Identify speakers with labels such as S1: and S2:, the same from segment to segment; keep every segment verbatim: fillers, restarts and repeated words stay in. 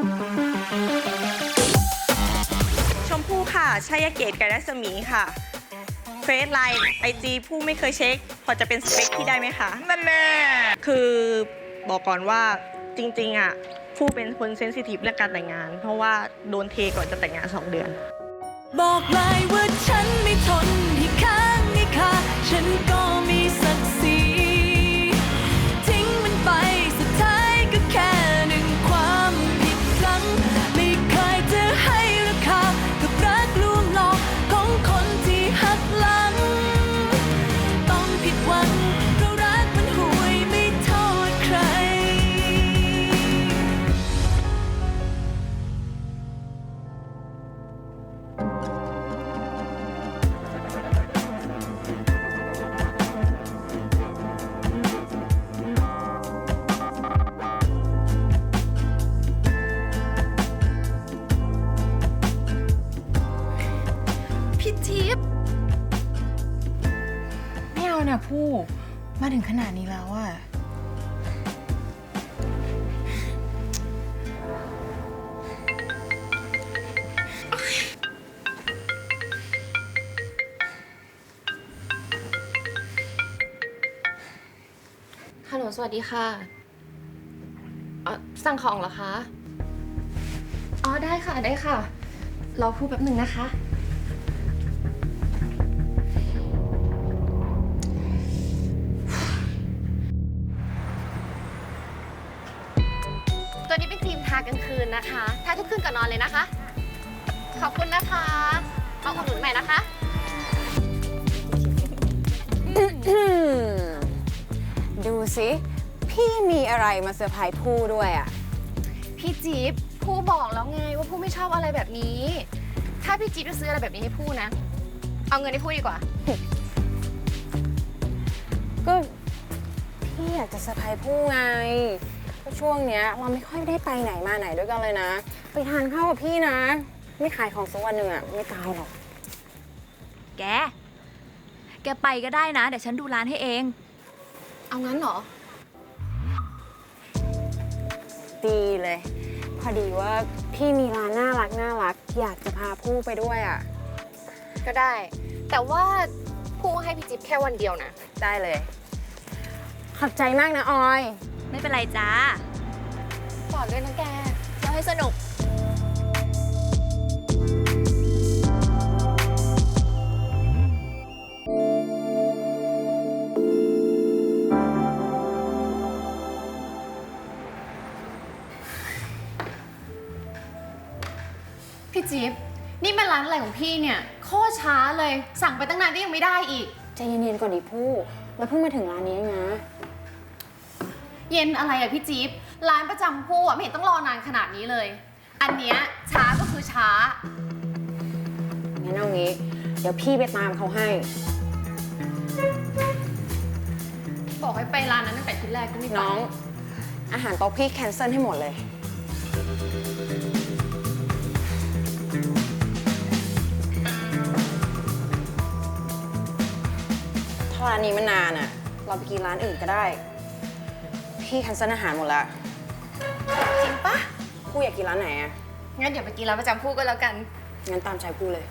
S1: ชมพู่ค่ะชัยเกตกับรัศมีค่ะเฟซไลน์ไอจีผู้ไม่เคยเช็ค พอจะเป็นสเปคที่ได้ไหมคะนั่นแน่คือบอกก่อนว่าจริงๆอ่ะผู้เป็นคนเซนซิทีฟเรื่องการแต่งงาน เพราะว่าโดนเทก่อนจะแต่งงานสองเดือน
S2: บอกเลยว่าฉันไม่ทนให้ค้างให้คาฉันก็มีศักดิ์ศรีทิ้งมันไปสุดท้ายก็แค่หนึ่งความผิดพลั้งไม่เคยจะให้ราคากับรักลวงหลอกของคนที่หักหลังต้องผิดหวังเพราะรักมันห่วยไม่โทษใครพี่ทิพย์ไม่เอานะผู้มาถึงขนาดนี้แล้วอะฮัลโหลสวัสดีค่ะเอ่อสั่งของเหรอคะ อ๋อได้ค่ะได้ค่ะรอพูดแป๊บหนึ่งนะคะ ตัวนี้เป็นครีมทากลางคืนนะคะทาทุกคืนก่อนนอนเลยนะคะ ขอบคุณนะคะเอาอุดหนุนใหม่นะคะ
S3: ดูสิพี่มีอะไรมาเซอร์ไพรส์ผู้ด้วยอ่ะ
S4: พี่จี๊บผู้บอกแล้วไงว่าผู้ไม่ชอบอะไรแบบนี้ ถ้าพี่จี๊บจะซื้ออะไรแบบนี้ให้ผู้นะ เอาเงินให้ผู้ดีกว่า
S3: ก็พี่อยากจะเซอร์ไพรส์ผู้ไงก็ช่วงเนี้ยเราไม่ค่อยได้ไปไหนมาไหนด้วยกันเลยนะ ไปทานข้าวกับพี่นะ ไม่ขายของสักวันหนึ่งอ่ะไม่ตายหรอก
S5: แก แกไปก็ได้นะ เดี๋ยวฉันดูร้านให้เอง
S4: เอางั้นเหรอ
S3: ดีเลย พอดีว่าพี่มีร้านน่ารักน่ารักอยากจะพาผู้ไปด้วยอ่ะ
S4: ก็ได้ แต่ว่าผู้ให้พี่จี๊บแค่วันเดียวนะ
S3: ได้เลย ขอบใจมากนะออย
S5: ไม่เป็นไรจ้า
S4: ฝากด้วยนะแก
S5: เราให้สนุก
S4: พี่จี๊บนี่มันร้านอะไรของพี่เนี่ยโคตรช้าเลย สั่งไปตั้งนานก็ยังไม่ได้อีก
S3: ใจเย็นๆก่อนดิผู้แล้วเพิ่งมาถึงร้านนี้เองนะ
S4: เย็นอะไรอะพี่จี๊บร้านประจำผู้อะไม่เห็นต้องรอนานขนาดนี้เลย อันเนี้ยช้าก็คือช้า
S3: งั้นเอางี้ เดี๋ยวพี่ไปตามเขาให้
S4: บอกให้ไปร้านนั้นตั้งแต่ทีแรกก็ไม่ไป
S3: น้อง อาหารโต๊ะพี่แคนเซิลให้หมดเลย ถ้าร้านนี้มันนานอะเราไปกินร้านอื่นก็ได้ พี่แคนเซิลอาหารหมดละ
S4: จริงปะ
S3: ผู้อยากกินร้านไหนอะ
S4: งั้นเดี๋ยวไปกินร้านประจำผู้ก็แล้วกัน
S3: งั้นตามใจผู้เลย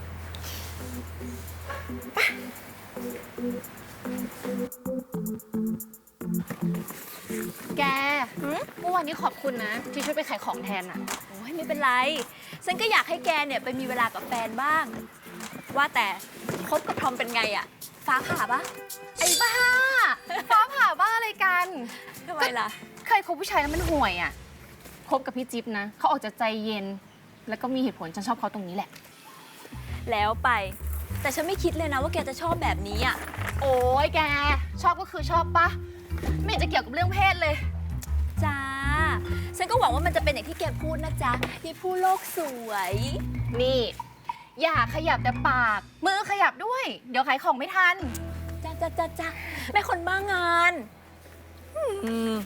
S4: แกเมื่อวานนี้ขอบคุณนะ ที่ช่วยไปขายของแทนอะ
S5: โอ้ยไม่เป็นไร ฉันก็อยากให้แกเนี่ยไปมีเวลากับแฟนบ้าง ว่าแต่คบกับทอมเป็นไงอะฟ้าผ่าปะ
S4: ไอ้บ้า ฟ้าผ่าบ้าอะไรกัน
S5: ทำไมล่ะ
S4: เคยคบผู้ชายแล้วมันห่วยอะคบกับพี่จิ๊บนะ เขาออกจะใจเย็น แล้วก็มีเหตุผลฉันชอบเขาตรงนี้แหละ
S5: แล้วไป แต่ฉันไม่คิดเลยนะว่าแกจะชอบแบบนี้อะ
S4: โอ้ยแก ชอบก็คือชอบปะไม่เห็นจะเกี่ยวกับเรื่องเพศเลย
S5: จ้า ฉันก็หวังว่ามันจะเป็นอย่างที่แกพูดนะจ๊ะที่ผู้โลกสวย
S4: นี่ อย่าขยับแต่ปาก มือขยับด้วย เดี๋ยวขายของไม่ทัน
S5: จ้าจ้าจ้าจ้าแม่คนบ้างานอืม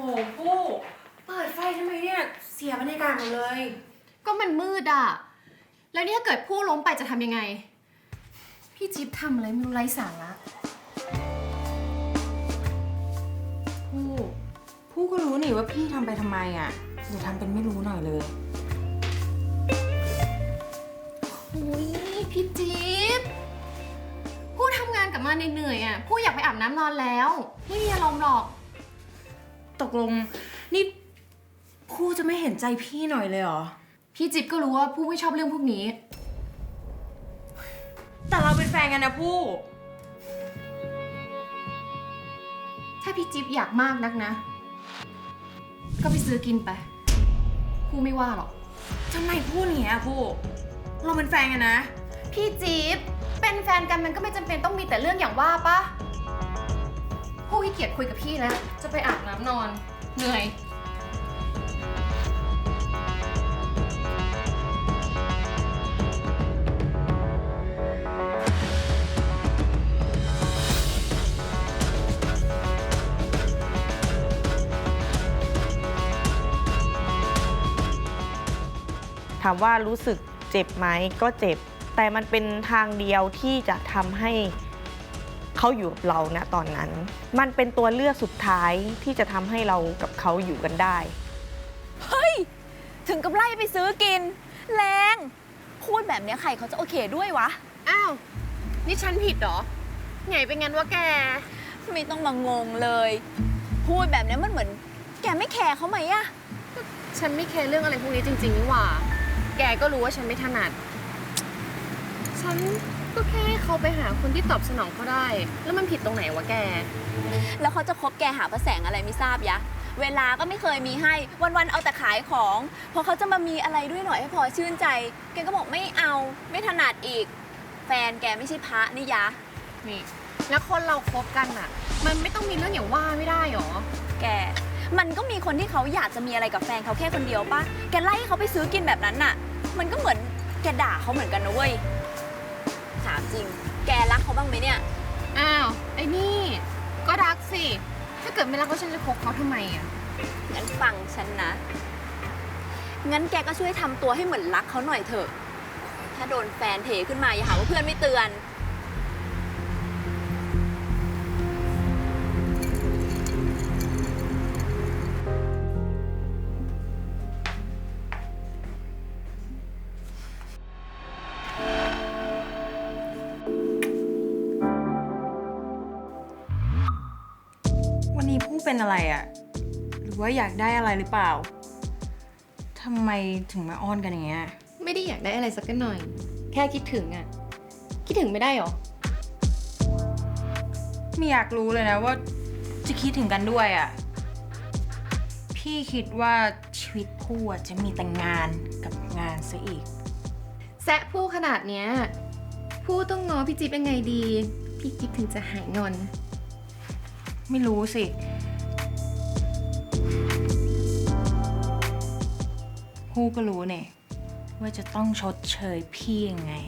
S3: ผู้เปิดไฟทำไมเนี่ยเสียบรรยากาศหมดเลย
S4: ก็มันมืดอ่ะ แล้วนี่ถ้าเกิดผู้ล้มไปจะทำยังไง พี่จิ๊บทำอะไรไม่รู้ไร้สาระ
S3: ผู้ผู้ก็รู้นี่ว่าพี่ทำไปทำไมอ่ะอย่าทำเป็นไม่รู้หน่อยเลย
S4: อุ้ยพี่จิ๊บผู้ทำงานกลับมาเหนื่อยๆอ่ะผู้อยากไปอาบน้ำนอนแล้ว ไม่มีอารมณ์หรอก
S3: ตกลงนี่ผู้จะไม่เห็นใจพี่หน่อยเลยเหรอ
S4: พี่จิ๊บก็รู้ว่าผู้ไม่ชอบเรื่องพวกนี้
S3: แต่เราเป็นแฟนกันนะผู้
S4: ถ้าพี่จิ๊บอยากมากนักนะ ก็ไปซื้อกินไป ผู้ไม่ว่าหรอก
S3: ทำไมพูดอย่างเงี้ยผู้เราเป็นแฟนกันนะ
S4: พี่จิ๊บเป็นแฟนกันมันก็ไม่จำเป็นต้องมีแต่เรื่องอย่างว่าปะผู้ขี้เกียจคุยกับพี่แล้ว จะไปอาบน้ำนอน เหนื่อย
S1: ถามว่ารู้สึกเจ็บไหมก็เจ็บ แต่มันเป็นทางเดียวที่จะทำให้เขาอยู่กับเราณตอนนั้น มันเป็นตัวเลือกสุดท้ายที่จะทำให้เรากับเขาอยู่กันได้
S5: เฮ้ย ถึงกับไล่ไปซื้อกิน แรงพูดแบบเนี้ยใครเขาจะโอเคด้วยวะ
S4: อ้าว นี่ฉันผิดเหรอ ไงเป็นงั้นวะแก
S5: ไม่ต้องมางงเลย พูดแบบเนี้ยมันเหมือน แกไม่แคร์เขาไหมอะ
S4: ฉันไม่แคร์เรื่องอะไรพวกนี้จริงๆนี่หว่า แกก็รู้ว่าฉันไม่ถนัด ฉันก็แค่ให้เขาไปหาคนที่ตอบสนองเขาได้ แล้วมันผิดตรงไหนวะแก
S5: แล้วเขาจะคบแกหาพระแสงอะไรไม่ทราบยะ เวลาก็ไม่เคยมีให้ วันๆเอาแต่ขายของ พอเขาจะมามีอะไรด้วยหน่อยให้พอชื่นใจ แกก็บอกไม่เอา ไม่ถนัดอีก แฟนแกไม่ใช่พระนี่ยะ
S4: นี่ แล้วคนเราคบกันอะมันไม่ต้องมีเรื่องอย่างว่าไม่ได้หรอ
S5: แก มันก็มีคนที่เขาอยากจะมีอะไรกับแฟนเขาแค่คนเดียวปะแกไล่ให้เขาไปซื้อกินแบบนั้นน่ะ มันก็เหมือนแกด่าเขาเหมือนกันนะเว้ย ถามจริง แกรักเขาบ้างไหมเนี่ย
S4: อ้าว ไอ้นี่ ก็รักสิ ถ้าเกิดไม่รักก็ฉันจะคบเขาทำไมอะ
S5: งั้นฟังฉันนะ งั้นแกก็ช่วยทำตัวให้เหมือนรักเขาหน่อยเถอะ ถ้าโดนแฟนเทขึ้นมาอย่าหาว่าเพื่อนไม่เตือน
S3: วันนี้ผู้เป็นอะไรอะหรือว่าอยากได้อะไรหรือเปล่าทำไมถึงมาอ้อนกันอย่างเงี้ย
S4: ไม่ได้อยากได้อะไรสักหน่อย แค่คิดถึงอะคิดถึงไม่ได้หรอ
S3: ไม่อยากรู้เลยนะว่าจะคิดถึงกันด้วยอะพี่คิดว่าชีวิตผู้อะจะมีแต่งานกับงานซะอีก
S4: แซะผู้ขนาดเนี้ย ผู้ต้องง้อพี่จิ๊บยังไงดี พี่จิ๊บถึงจะหายงอน
S3: ไม่รู้สิ ผู้ก็รู้เนี่ยว่าจะต้องชดเชยพี่ยังไง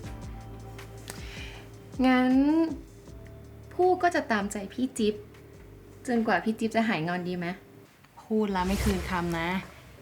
S4: งั้น ผู้ก็จะตามใจพี่จิ๊บจนกว่าพี่จิ๊บจะหายงอนดีไหม
S3: พูดแล้วไม่คืนคำนะ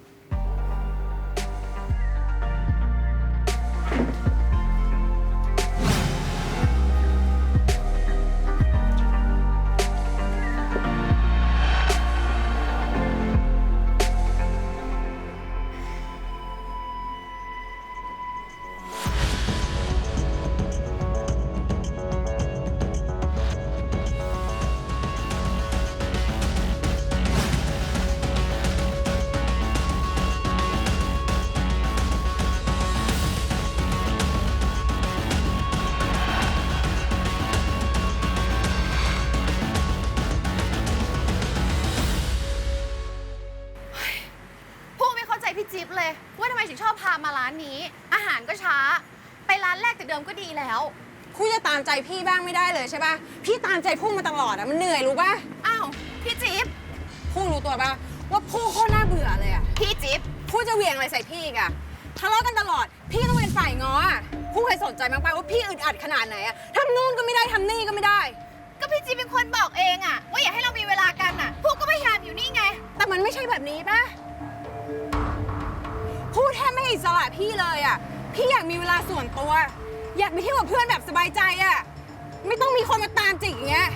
S4: ผู้ไม่เข้าใจพี่จิ๊บเลย ว่าทำไมถึงชอบพามาร้านนี้ อาหารก็ช้า ไปร้านแรกแต่เดิมก็ดีแล้ว
S3: ผู้จะตามใจพี่บ้างไม่ได้เลยใช่ป่ะ พี่ตามใจผู้มาตลอดอะมันเหนื่อยรู้ป่ะ
S4: อ้าว พี่จิ๊บ
S3: ผู้รู้ตัวป่ะว่าผู้โคตรน่าเบื่อเลยอะ
S4: พี่จิ๊บ
S3: ผู้จะเหวี่ยงอะไรใส่พี่อีกอะทะเลาะกันตลอด พี่ต้องเป็นฝ่ายง้ออะผู้เคยสนใจมั้งป่ะว่าพี่อึดอัดขนาดไหนอะทำนู่นก็ไม่ได้ทำนี่ก็ไม่ได้
S4: ก็พี่จิ๊บเป็นคนบอกเองอะว่าอยากให้เรามีเวลากันอะพวกก็พยายามอยู่นี่ไง
S3: นี้ปะพูดแทบไม่ให้อิสระพี่เลยอ่ะ พี่อยากมีเวลาส่วนตัว อยากไปเที่ยวกับเพื่อนแบบสบายใจอ่ะ ไม่ต้องมีคนมาตามจิกอย่างเงี้ย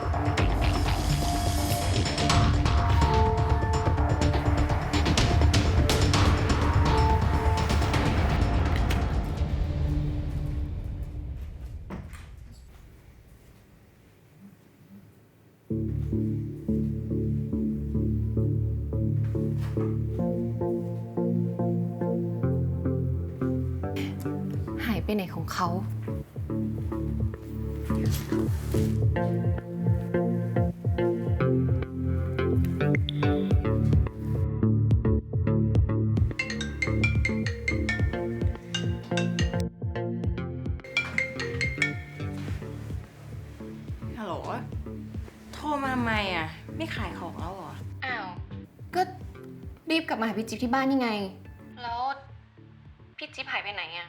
S4: หายไปไหนของเขา
S3: ฮัลโหล โทรมาทำไมอ่ะ ไม่ขายของแล้วเหรอ
S4: อ้าว ก็รีบกลับมาหาพี่จิ๊บที่บ้านนี่ไง แล้วพี่จิ๊บหายไปไหนอะ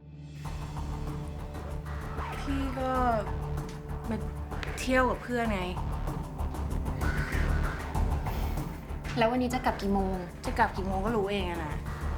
S3: พี่ก็มาเที่ยวกับเพื่อนไง
S4: แล้ววันนี้จะกลับกี่โมง
S3: จะกลับกี่โมงก็รู้เองอะนะ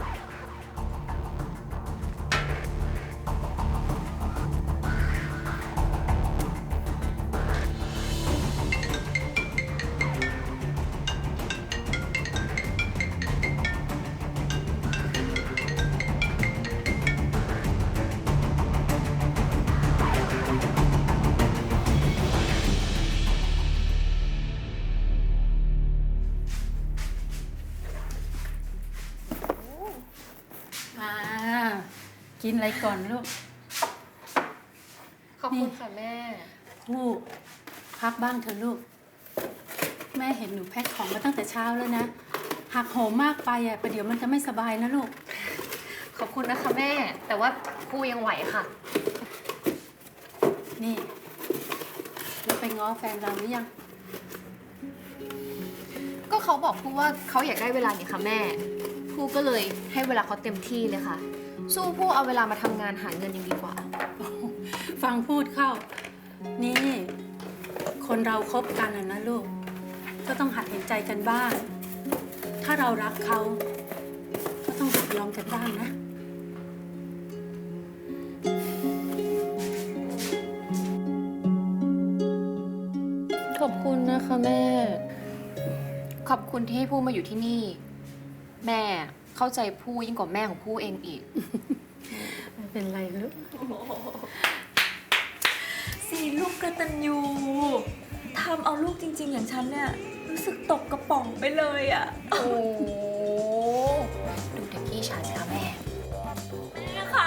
S6: อ่ากินอะไรก่อนลูก
S4: ขอบคุณค่ะแม่
S6: ผู้พักบ้างเถอะลูก แม่เห็นหนูแพ็คของมาตั้งแต่เช้าแล้วนะ หักโหมมากไปอ่ะประเดี๋ยวมันจะไม่สบายนะลูก
S4: ขอบคุณนะคะแม่ แต่ว่ากูยังไหวค่ะ
S6: นี่ แล้วไปง้อแฟนเราหรือยัง
S4: ก็เขาบอกพูว่าเขาอยากได้เวลานี่ค่ะแม่พูก็เลยให้เวลาเขาเต็มที่เลยค่ะ สู้พูเอาเวลามาทำงานหาเงินยังดีกว่า
S6: ฟังพูดเข้า นี่ คนเราคบกันอะนะลูก ก็ต้องหัดเห็นใจกันบ้าง ถ้าเรารักเขา ก็ต้องหัดยอมกันบ้างนะ
S4: ขอบคุณนะคะแม่ ขอบคุณที่ให้พูมาอยู่ที่นี่ แม่เข้าใจพูยิ่งกว่าแม่ของพูเองอีก
S6: ไม่เป็นไรลูก
S5: สีลูกกตัญญูทำเอาลูกจริง ๆ อย่างฉันเนี่ย รู้สึกตกกระป๋องไปเลยอะ
S4: โอ้ดูเด็กพี่ชายสิคะแม่
S5: นี่ค่ะ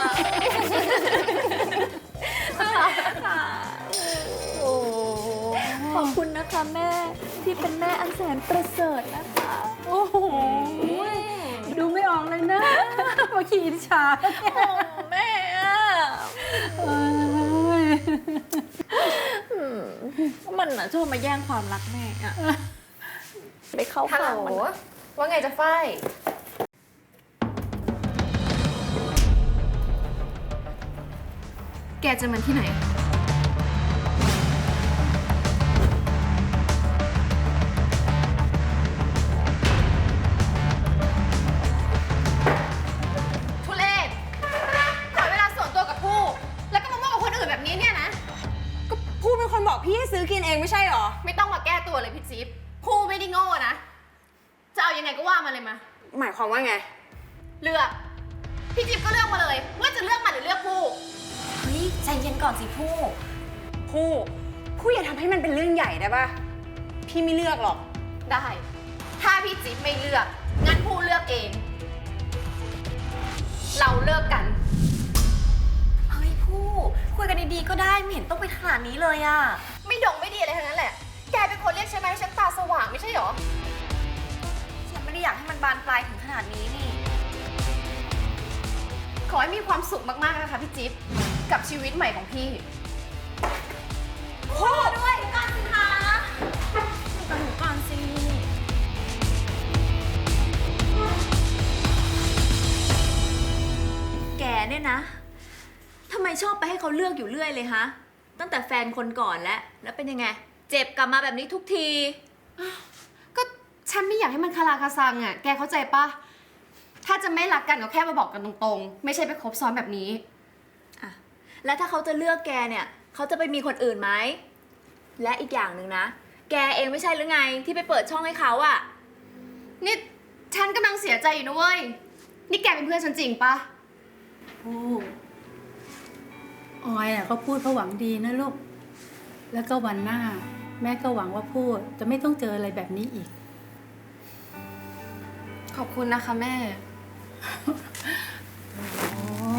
S5: ค่ะโอ้ขอบคุณนะคะแม่ที่เป็นแม่อันแสนประเสริฐนะคะ
S6: โอ้โห ดูไม่ออกเลยนะ ว่าขี้อิจฉา
S5: โอ้แม่อะ
S6: เอ้ย
S5: มันอะชอบมาแย่งความรักแม่อะไปเข้า
S4: ฮัลโหล
S5: ข้างมันอะ
S4: ว่าไงจะฝ้ายแกจะมันที่ไหน ทุเรศขอเวลาส่วนตัวกับผู้ แล้วก็มามั่วกับคนอื่นแบบนี้เนี่ยนะ
S3: ก็พูดเป็นคนบอกพี่ให้ซื้อกินเองไม่ใช่เหรอ
S4: ไม่ต้องมาแก้ตัวเลยพี่จิ๊บผู้ไม่ได้โง่นะ จะเอายังไงก็ว่ามาเลยมา
S3: หมายความว่าไง
S4: เลือก พี่จิ๊บก็เลือกมาเลย ว่าจะเลือกมันหรือเลือกผู้
S5: เฮ้ยใจเย็นก่อนสิผู้
S3: ผู้ ผู้อย่าทำให้มันเป็นเรื่องใหญ่ได้ปะพี่ไม่เลือกหรอก
S4: ได้ ถ้าพี่จิ๊บไม่เลือก งั้นผู้เลือกเอง เราเลิกกัน
S5: เฮ้ยผู้คุยกันดีๆก็ได้ไม่เห็นต้องไปขนาดนี้เลยอะ
S4: ไม่ดงไม่ดีอะไรทั้งนั้นแหละ แกเป็นคนเรียกใช่ไหมให้ฉันตาสว่างไม่ใช่หรอ
S5: ฉันไม่ได้อยากให้มันบานปลายถึงขนาดนี้นี่
S4: ขอให้มีความสุขมากๆนะคะพี่จิ๊บ กับชีวิตใหม่ของพี่
S5: พูดด้วยก่อนสิคะก่อนหนูก่อนสิแกเนี่ยนะทำไมชอบไปให้เขาเลือกอยู่เรื่อยเลยฮะ ตั้งแต่แฟนคนก่อนแล้ว แล้วเป็นยังไง เจ็บกลับมาแบบนี้ทุกที
S4: ก็ฉันไม่อยากให้มันคาราคาซังอ่ะ แกเข้าใจปะถ้าจะไม่รักกันก็แค่มาบอกกันตรงๆ ไม่ใช่ไปคบซ้อนแบบนี้
S5: อ่ะ แล้วถ้าเขาจะเลือกแกเนี่ยเขาจะไปมีคนอื่นไหม และอีกอย่างหนึ่งนะ แกเองไม่ใช่หรือไงที่ไปเปิดช่องให้เขาอะ
S4: นี่ฉันกำลังเสียใจอยู่นะเว้ย นี่แกเป็นเพื่อนฉันจริงปะ
S6: ผู้ออยอ่ะเขาพูดเพราะหวังดีนะลูก แล้วก็วันหน้า แม่ก็หวังว่าพูดจะไม่ต้องเจออะไรแบบนี้อีก
S4: ขอบคุณนะคะแม่
S6: โอ้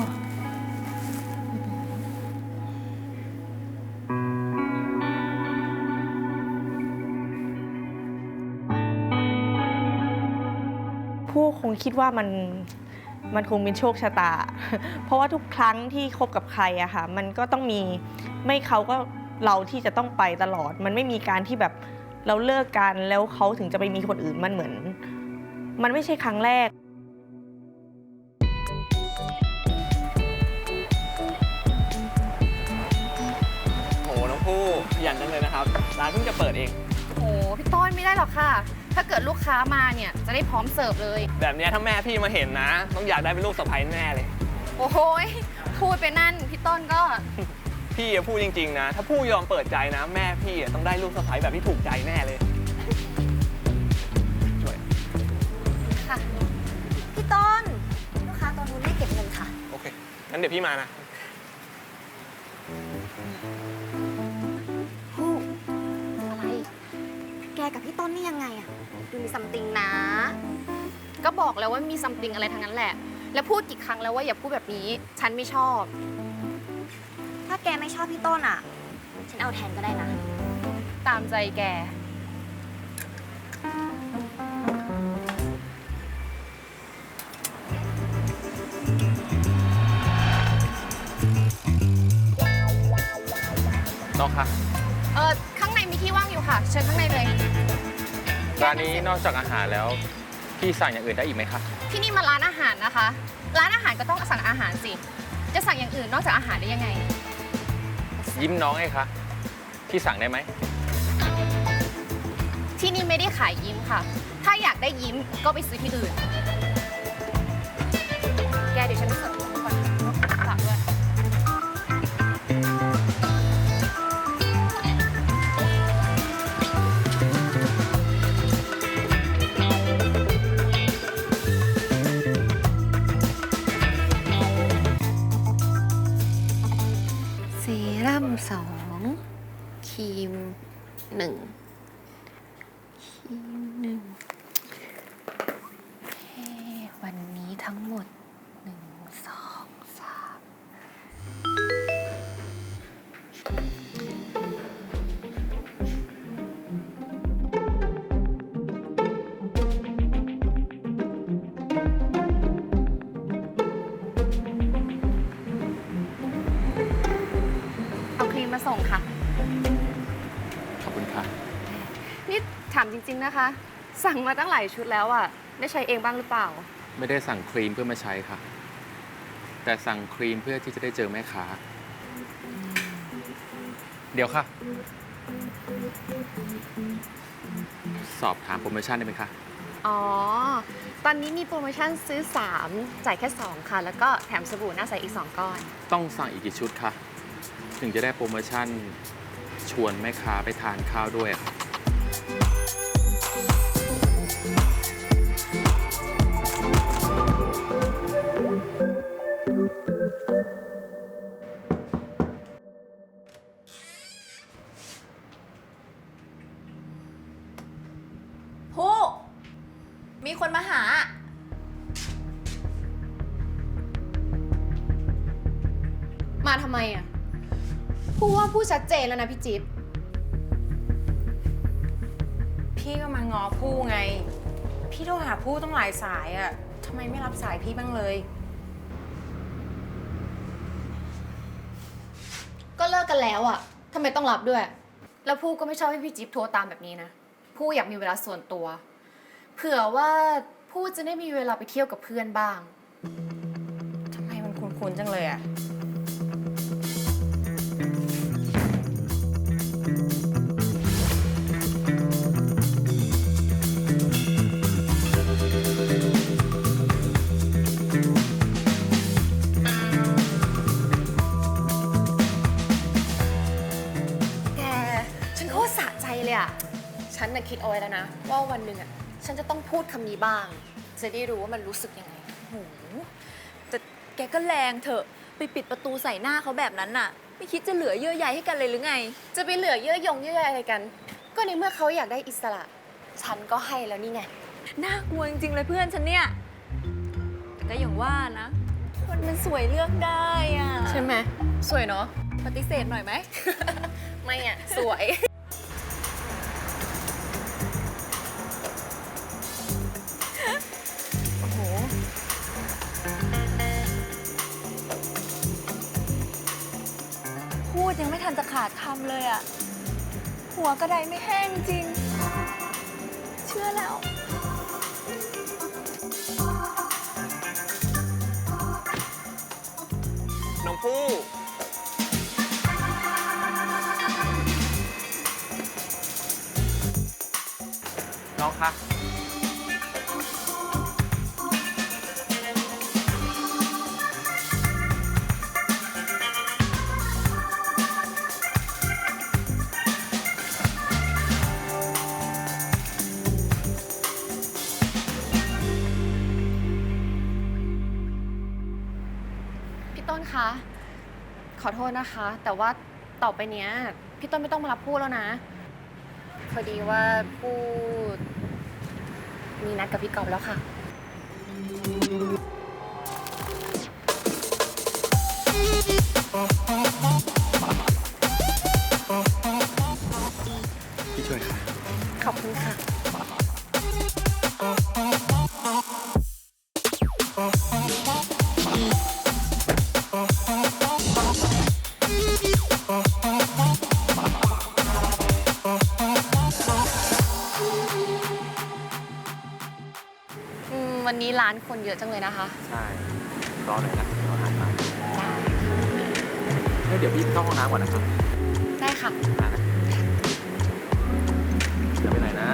S1: ผู้คงคิดว่ามันมันคงเป็นโชคชะตา เพราะว่าทุกครั้งที่คบกับใครอะค่ะมันก็ต้องมีไม่เขาก็เราที่จะต้องไปตลอด มันไม่มีการที่แบบเราเลิกกันแล้วเขาถึงจะไปมีคนอื่นมันเหมือน มันไม่ใช่ครั้งแรก
S7: โหน้องผู้ขยันจังเลยนะครับ ร้านเพิ่งจะเปิดเอง
S4: โอ้พี่ต้นไม่ได้หรอกค่ะ ถ้าเกิดลูกค้ามาเนี่ยจะได้พร้อมเสิร์ฟเลย
S7: แบบเนี้ยถ้าแม่พี่มาเห็นนะ ต้องอยากได้เป็นลูกสะใภ้แน่เลย
S4: โอ้โหยพูดไปนั่นพี่ต้นก็
S7: พี่อะพูดจริงๆนะ ถ้าผู้ยอมเปิดใจนะ แม่พี่อะต้องได้ลูกสะใภ้แบบที่ถูกใจแน่เลย ช่วย
S4: ค่ะ
S5: พี่ต้น ลูกค้าตอนนู้นไม่เก็บเงินค่ะ
S7: โอเค งั้นเดี๋ยวพี่มานะ
S8: ฮู้อะไร แกกับพี่ต้นนี่ยังไงอะดูมีซัมติงนะ
S4: ก็บอกแล้วว่ามีซัมติงอะไรทั้งนั้นแหละ แล้วพูดกี่ครั้งแล้วว่าอย่าพูดแบบนี้ ฉันไม่ชอบ
S8: ถ้าแกไม่ชอบพี่ต้นอะฉันเอาแทนก็ได้นะ
S4: ตามใจแก
S9: น้องคะ
S4: เออข้างในมีที่ว่างอยู่ค่ะ เชิญข้างในเลย
S9: ร้านนี้นอกจากอาหารแล้ว พี่สั่งอย่างอื่นได้อีกไหมคะ
S4: ที่นี่มาร้านอาหารนะคะ ร้านอาหารก็ต้องสั่งอาหารสิ จะสั่งอย่างอื่นนอกจากอาหารได้ยังไง
S9: ยิ้มน้องไงคะ พี่สั่งได้ไหม
S4: ที่นี่ไม่ได้ขายยิ้มค่ะ ถ้าอยากได้ยิ้มก็ไปซื้อที่อื่น แกเดี๋ยวฉันไปเสิร์ฟก่อนฝากด้วย
S8: เซรั่มสองครีมหนึ่งครีมหนึ่งโอเควันนี้ทั้งหมดหนึ่งสองสาม
S4: เอาครีมมาส่งค่ะ
S9: ขอบคุณค่ะ
S4: นี่ถามจริงๆนะคะ สั่งมาตั้งหลายชุดแล้วอ่ะ ได้ใช้เองบ้างหรือเปล่า
S9: ไม่ได้สั่งครีมเพื่อมาใช้ค่ะ แต่สั่งครีมเพื่อที่จะได้เจอแม่ค้า เดี๋ยวค่ะ สอบถามโปรโมชั่นได้ไหมคะ
S4: อ๋อ ตอนนี้มีโปรโมชั่นซื้อสามจ่ายแค่สองค่ะ แล้วก็แถมสบู่หน้าใสอีกสองก้อน
S9: ต้องสั่งอีกกี่ชุดคะ ถึงจะได้โปรโมชั่นชวนแม่ค้าไปทานข้าวด้วยค่ะ
S5: ผู้ มีคนมาหา
S4: มาทำไมอ่ะ พูดว่าพูดชัดเจนแล้วนะพี่จิ๊บ
S3: พี่ก็มางอผู้ไง พี่โทรหาผู้ต้องหลายสายอะทำไมไม่รับสายพี่บ้างเลย
S4: ก็เลิกกันแล้วอ่ะทำไมต้องรับด้วย แล้วผู้ก็ไม่ชอบให้พี่จิ๊บโทรตามแบบนี้นะ ผู้อยากมีเวลาส่วนตัว เผื่อว่าผู้จะได้มีเวลาไปเที่ยวกับเพื่อนบ้าง
S3: ทำไมมันคุ้นๆจังเลยอะ
S4: ฉันน่ะคิดเอาไว้แล้วนะ ว่าวันหนึ่งอ่ะฉันจะต้องพูดคำนี้บ้าง จะได้รู้ว่ามันรู้สึกยังไง
S5: โหแต่แกก็แรงเถอะไปปิดประตูใส่หน้าเขาแบบนั้นน่ะ ไม่คิดจะเหลือเยื่อใยให้กันเลยหรือไง
S4: จะไปเหลือเยื่อยงเยื่อใยอะไรกัน ก็ในเมื่อเขาอยากได้อิสระ ฉันก็ให้แล้วนี่ไง
S5: น่ากลัวจริงๆเลยเพื่อนฉันเนี่ย แต่ก็อย่างว่านะ คนมันสวยเลือกได้อ่ะ
S4: ใช่ไหมสวยเนาะ
S5: ปฏิเสธหน่อยไหม
S4: ไม่อ่ะ สวย
S5: โอ้โห พูดยังไม่ทันจะขาดคำเลยอ่ะ หัวกระไดไม่แห้งจริง เชื่อแล้ว
S7: น้องผู้น้องคะ
S4: พี่ต้นคะ ขอโทษนะคะ แต่ว่าต่อไปเนี้ยพี่ต้นไม่ต้องมารับพูดแล้วนะ พอดีว่าพูดมีนัดกับพี่กอล์ฟแล้วค่ะ
S9: พี่ช่วยค่ะ
S4: ขอบคุณค่ะ อืม วันนี้ร้านคนเยอะจังเลยนะคะ
S9: ใช่ รอหน่อยนะเดี๋ยวอาหารมาเฮ้ยเดี๋ยวพี่เข้าห้องน้ำก่อนนะครับ
S4: ได้ค่ะ
S9: มานะเดี๋ยวไปไหนนะ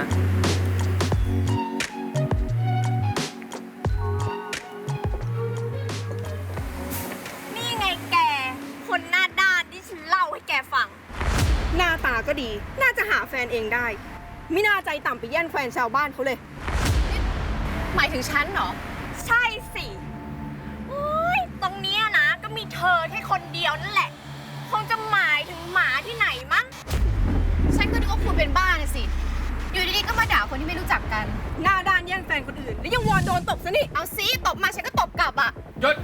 S1: นี่ไงแก คนหน้าด้านที่ฉันเล่าให้แกฟัง
S10: หน้าตาก็ดี น่าจะหาแฟนเองได้ ไม่น่าใจต่ำไปแย่งแฟนชาวบ้านเขาเลย
S4: หมายถึงฉันเหรอ
S1: ใช่สิโอ้ยตรงเนี้ยนะ ก็มีเธอแค่คนเดียวนั่นแหละ คงจะหมายถึงหมาที่ไหนมั้ง
S4: ฉันก็นึกว่าคุณเป็นบ้าน่ะสิ อยู่ดีๆ ก็มาด่าคนที่ไม่รู้จักกัน
S10: หน้าด้านแย่งแฟนคนอื่น แล้วยังวอนโดนตบซะนี่
S4: เอาซิตบมาฉันก็ตบกลับอ่ะ
S9: หยุด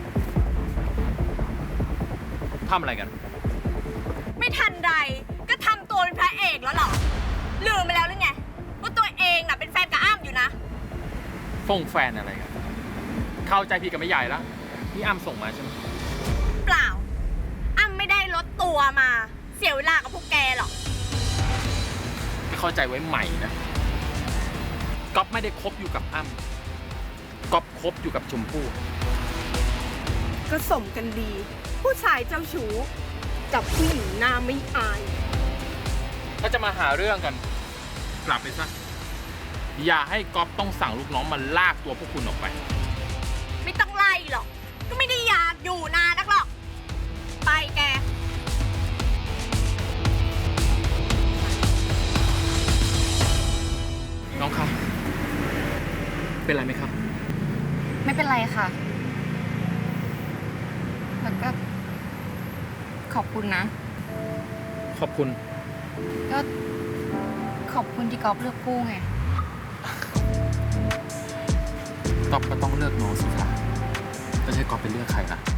S9: ทำอะไรกัน
S1: ไม่ทันไรก็ทำตัวเป็นพระเอกแล้วเหรอ ลืมไปแล้วหรือไง ว่าตัวเองน่ะเป็นแฟนกับอ้ำอยู่นะ
S9: ฟงแฟนอะไรกัน เข้าใจพี่กับไม่ใหญ่แล้วนี่อ้ำส่งมาใช่ไหม
S1: เปล่า อ้ำไม่ได้ลดตัวมา เสียเวลากับพวกแกหรอก
S9: ไม่เข้าใจไว้ใหม่นะก๊อฟไม่ได้คบอยู่กับอ้ำก๊อฟคบอยู่กับชมพู่
S10: ก็สมกันดี ผู้ชายเจ้าชู้กับผู้หญิงหน้าไม่อาย
S9: ถ้าจะมาหาเรื่องกัน กลับไปซะ อย่าให้ก๊อฟต้องสั่งลูกน้องมาลากตัวพวกคุณออกไป
S1: ไม่ต้องไล่หรอก ก็ไม่ได้อยากอยู่นานนักหรอก ไปแก
S9: น้องคะเป็นไรไหมครับ
S4: ไม่เป็นไรค่ะ แล้วก็ขอบคุณนะ
S9: ขอบคุณ
S4: ก็ขอบคุณที่กอล์ฟเลือกกู้ไง
S9: ก๊อฟก็ต้องเลือกน้องสิคะไม่ใช่ก๊อฟไปเลือกใครล่ะ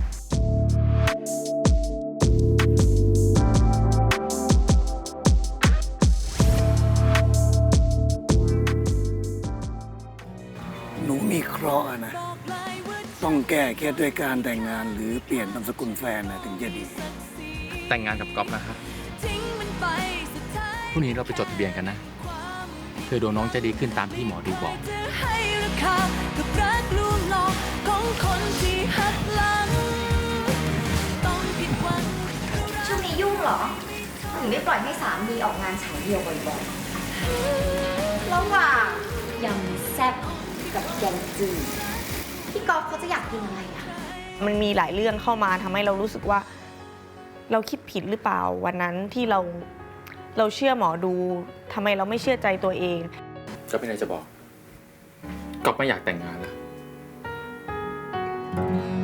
S11: หนูมีเคราะห์อะนะ ต้องแก้เคล็ดด้วยการแต่งงานหรือเปลี่ยนนามสกุลแฟนนะถึงจะดี
S9: แต่งงานกับก๊อฟนะครับพรุ่งนี้เราไปจดทะเบียนกันนะ เพื่อดวงน้องจะดีขึ้นตามที่หมอดูบอก
S2: จะให้ราคากับรักลวงหลอกของคนที่หักหลัง ต้องผิดหวัง
S12: ช่วงนี้ยุ่งเหรอ ถึงได้ปล่อยให้สามีออกงานฉายเดียวบ่อยๆระหว่างยำแซ่บกับแกงจืดพี่กอล์ฟเขาจะอยากกินอะไรอะ
S1: มันมีหลายเรื่องเข้ามาทำให้เรารู้สึกว่า เราคิดผิดหรือเปล่าวันนั้นที่เราเราเชื่อหมอดูทำไมเราไม่เชื่อใจตัวเอง
S9: ก็ไม่ได้จะบอกก๊อฟไม่อยากแต่งงานแล้ว